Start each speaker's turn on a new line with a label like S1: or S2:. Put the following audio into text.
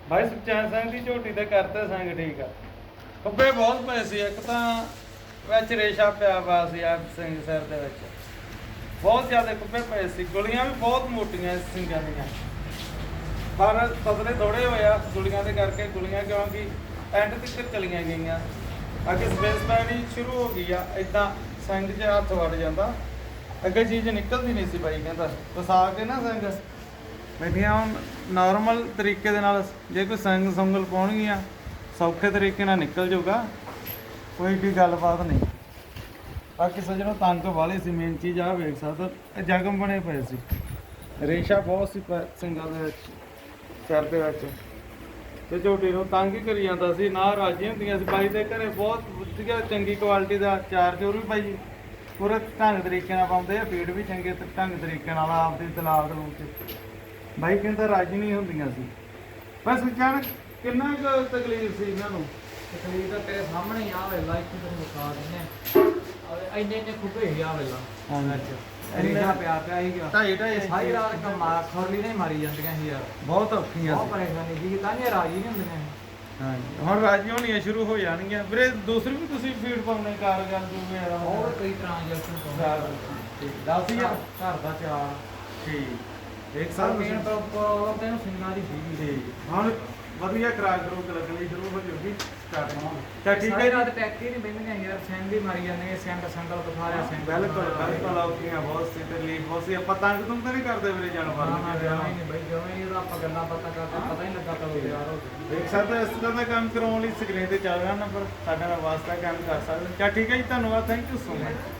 S1: ਭਾਈ ਸੁਖਚੈਨ ਸਿੰਘ ਦੀ ਝੋਟੀ ਤੇ ਕਰਤੇ ਸੰਗ ਠੀਕ ਆ। ਖੱਬੇ ਬਹੁਤ ਪਏ ਸੀ, ਇੱਕ ਤਾਂ ਵਿੱਚ ਰੇਸ਼ਾ ਪਿਆ ਵਾ ਸੀ ਆ ਸਿੰਘ ਸਿਰ ਦੇ ਵਿੱਚ, ਬਹੁਤ ਜ਼ਿਆਦਾ ਖੱਬੇ ਪਏ ਸੀ। ਗੁਲੀਆਂ ਵੀ ਬਹੁਤ ਮੋਟੀਆਂ ਇਸ ਸਿੰਘਾਂ ਦੀਆਂ, ਪਰ ਪਤਲੇ ਥੋੜੇ ਹੋਏ ਆ ਗੁਲੀਆਂ ਦੇ ਕਰਕੇ। ਗੁਲੀਆਂ ਕਿਉਂਕਿ ਐਂਡ ਤੱਕ ਚਲੀਆਂ ਗਈਆਂ, ਅੱਗੇ ਸਪੇਸ ਪੈਣੀ ਸ਼ੁਰੂ ਹੋ ਗਈ ਆ। ਇਦਾਂ ਸਿੰਘ 'ਚ ਹੱਥ ਵੜ ਜਾਂਦਾ, ਅੱਗੇ ਚੀਜ਼ ਨਿਕਲਦੀ ਨਹੀਂ ਸੀ। ਬਾਈ ਕਹਿੰਦਾ ਫਸਾ ਕੇ ਨਾ ਸਿੰਘ ਬੈਠੀਆਂ। ਹੁਣ ਨੋਰਮਲ ਤਰੀਕੇ ਦੇ ਨਾਲ ਜੇ ਕੋਈ ਸੰਗ ਸੰਗਲ ਪਾਉਣਗੀਆਂ ਸੌਖੇ ਤਰੀਕੇ ਨਾਲ ਨਿਕਲ ਜਾਊਗਾ, ਕੋਈ ਵੀ ਗੱਲਬਾਤ ਨਹੀਂ। ਬਾਕੀ ਸੱਜਣੋਂ ਤੰਗ ਵਾਲੇ ਸੀ, ਮੇਨ ਚੀਜ਼ ਆ ਵੇਖ ਸਕਦਾ ਇਹ ਜ਼ਖਮ ਬਣੇ ਪਏ ਸੀ, ਰੇਸ਼ਾ ਬਹੁਤ ਸੀ ਸਿੰਘਾਂ ਦੇ ਵਿੱਚ, ਸਿਰ ਦੇ ਵਿੱਚ। ਤੇ ਝੋਟੀ ਨੂੰ ਤੰਗ ਹੀ ਕਰੀ ਜਾਂਦਾ ਸੀ, ਨਾ ਰਾਜੀ ਹੁੰਦੀਆਂ ਸੀ। ਬਾਈ ਦੇ ਘਰੇ ਬਹੁਤ ਵਧੀਆ ਚੰਗੀ ਕੁਆਲਿਟੀ ਦਾ ਚਾਰ ਚੋਰ ਵੀ ਬਾਈ ਪੂਰੇ ਢੰਗ ਤਰੀਕੇ ਨਾਲ ਪਾਉਂਦੇ ਆ, ਫੀਡ ਵੀ ਚੰਗੇ ਢੰਗ ਤਰੀਕੇ ਨਾਲ ਆਪਦੀ ਤਲਾਬ ਦੇ ਵਿੱਚ। ਬਾਈ ਕਹਿੰਦਾ ਰਾਜੀ ਨਹੀਂ ਹੁੰਦੀਆਂ ਸੀ। ਬਸ ਜਾਣ ਕਿੰਨਾ ਕੁ ਤਕਲੀਫ ਸੀ ਇਹਨਾਂ ਨੂੰ।
S2: ਤਕਲੀਫ ਤਾਂ ਤੇਰੇ ਸਾਹਮਣੇ ਹੀ ਆ ਵੇਲਾ, ਇੱਥੇ ਤੈਨੂੰ ਦਿਖਾ ਦਿੰਦੇ ਆ। ਇੰਨੇ ਇੰਨੇ ਖੁੱਬੇ ਹੀ ਆ ਵੇਲਾ ਰੇਸ਼ਾ ਪਿਆ ਪਿਆ ਹੀ ਗਿਆ।
S1: ਢਾਈ
S2: ਸਾਰੀ ਰਾਤ ਕੰਮਾ ਖੋਲੀ ਨਹੀਂ ਮਾਰੀ ਜਾਂਦੀਆਂ ਸੀ ਯਾਰ,
S1: ਬਹੁਤ ਔਖੀਆਂ
S2: ਬਹੁਤ
S1: ਸੀ।
S2: ਪਰੇਸ਼ਾਨੀ ਸੀ, ਤਾਂ ਇਹ ਰਾਜੀ ਨਹੀਂ ਹੁੰਦੀਆਂ ਸੀ।
S1: ਹਾਂਜੀ ਹੁਣ ਰਾਜੀ ਹੋਣੀਆਂ ਸ਼ੁਰੂ ਹੋ ਜਾਣਗੀਆਂ ਵੀਰੇ। ਦੂਸਰੀ ਵੀ ਤੁਸੀਂ ਫੀਡ ਪਾਉਣੇ ਕਾਰਗਰ ਜੋ ਵਗੈਰਾ
S2: ਹੋਰ ਕਈ ਟ੍ਰਾਂਜੈਕਸ਼ਨ ਤੋਂ
S1: ਦੱਸ ਹੀ ਆ।
S2: ਘਰ ਦਾ ਚਾਰ
S1: ਠੀਕ ਇੱਕ
S2: ਸਰ
S1: ਸਾਲ
S2: ਮੇਨ ਪ੍ਰੋਬਲਮ ਤੈਨੂੰ ਸਿੰਘਾਂ ਦੀ ਸੀਗੀ।
S1: ਠੀਕ ਹੁਣ ਵਧੀਆ ਖਰਾਕ ਖਰੂਕ ਲੱਗਣੀ ਸ਼ੁਰੂ ਹੋ ਜਾਊਗੀ ਸਟਾਰਟ। ਤਾਂ ਠੀਕ ਹੈ
S2: ਸਾਰੀ ਰਾਤ
S1: ਜੀ।
S2: ਟੈਕਟੀ ਨਹੀਂ ਬਹਿੰਦੀਆਂ ਯਾਰ, ਸਿੰਘ ਹੀ ਮਾਰੀ ਜਾਂਦੇ, ਸੰਗਲ ਬੁਖਾਰਿਆ ਸਿੰਘ।
S1: ਬਿਲਕੁਲ ਬਿਲਕੁਲ ਔਖੀਆਂ ਬਹੁਤ ਸੀ, ਤਕਲੀਫ ਬਹੁਤ ਸੀ। ਆਪਾਂ ਤੰਗ ਤੁੰਗ ਤਾਂ ਨਹੀਂ ਕਰਦੇ ਵੀਰੇ ਜਾਨਵਰ ਨੂੰ।
S2: ਜਮਾਂ ਹੀ ਨਹੀਂ ਬਈ, ਜਮਾਂ ਹੀ ਇਹਦਾ ਆਪਾਂ ਗੱਲਾਂ ਬਾਤਾਂ ਕਰਦੇ ਪਤਾ ਹੀ ਨਹੀਂ ਲੱਗਾ ਕਦੋਂ ਤਿਆਰ ਹੋ ਗਏ।
S1: ਦੇਖ ਸਕਦੇ ਇਸ ਤਰ੍ਹਾਂ ਦਾ ਕੰਮ ਕਰਾਉਣ ਲਈ ਸਕਰੀਨ ਤੇ ਚੱਲ ਰਿਹਾ ਨੰਬਰ, ਸਾਡੇ ਨਾਲ ਵਾਸਤਾ ਕੰਮ ਕਰ ਸਕਦੇ। ਚਾ ਠੀਕ ਹੈ ਜੀ, ਧੰਨਵਾਦ, ਥੈਂਕ ਯੂ ਸੋ ਮਚ।